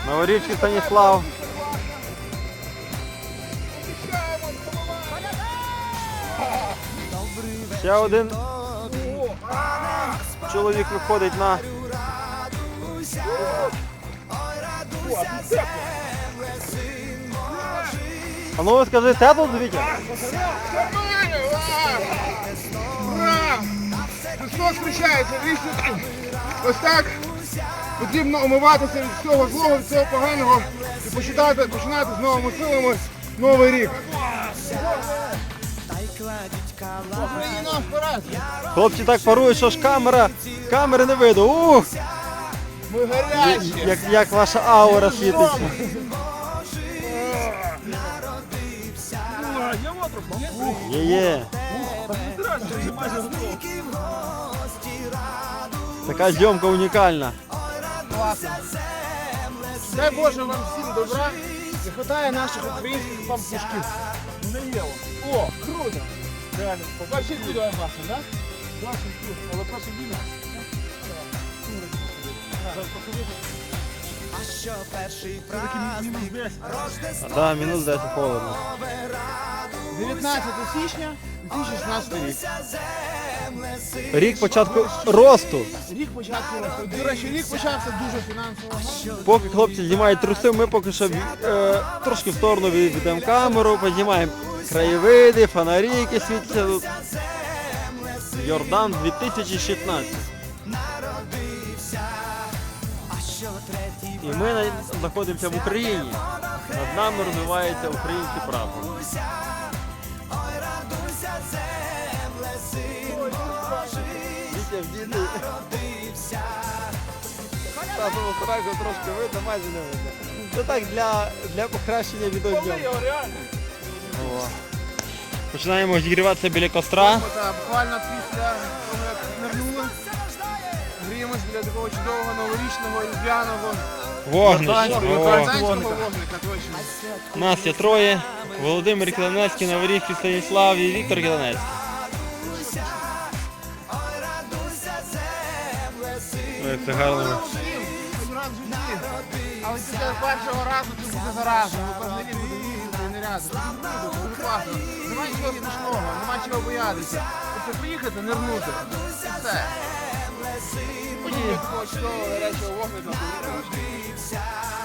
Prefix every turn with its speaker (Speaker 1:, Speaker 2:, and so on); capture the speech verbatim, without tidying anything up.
Speaker 1: Новорівський Станіслав. Ще один чоловік виходить на... А ну скажи, тепло, Вітя?
Speaker 2: Ура! Христос зустрічається, вічно. Ось так потрібно омиватися від всього злого, від всього поганого і починати, починати з новими силами новий рік. Україна, вперед!
Speaker 1: Хлопці так парують, що ж камера, камери не видно. Ух!
Speaker 2: Ми гарячі!
Speaker 1: Як, як ваша аура світиться. Є-є. Така зйомка унікальна.
Speaker 2: Класно. Дай Боже вам всім добра. Не хватає наших українських пампушків. Не є. О, круто! Реально. Побачить відео класно, так? Класно, круто. Але просто діна.
Speaker 3: А що перший праздник?
Speaker 1: А, да, мінус десять холодно.
Speaker 2: дев'ятнадцяте січня дві тисячі шістнадцятого рік.
Speaker 1: Рік початку росту.
Speaker 2: Рік початку росту. До речі, рік почався дуже фінансово.
Speaker 1: Поки хлопці знімають труси, ми поки що е, трошки в сторону відведемо камеру, познімаємо краєвиди, фонарі, які світяться тут. Йордан дві тисячі шістнадцять. І ми на- знаходимося в Україні. Над нами розвивається український прапор. Вітя в діти. Татову сраку трошки видно, майже не видно. Це так для, для покращення відеозйомки. О. Починаємо зігріватися біля костра.
Speaker 2: Так, буквально після того, як нирнули, гріємось біля такого чудового новорічного різдвяного
Speaker 1: Вогнище.
Speaker 2: українського
Speaker 1: О.
Speaker 2: вогника, точно.
Speaker 1: Нас є троє. Володимир Кіланецький, Новорівський Станіслав і Віктор Кіланецький. Ой, як це гарно.
Speaker 2: Один раз в житті. Але після першого разу це буде заразно, бо кожен рік буде їздити і не ряди. Це буде круто, це буде класно. Нема чого страшного, нема чого боятися. Тобто приїхати, нирнути. І все. Подібно такого чудового гарячого вогника.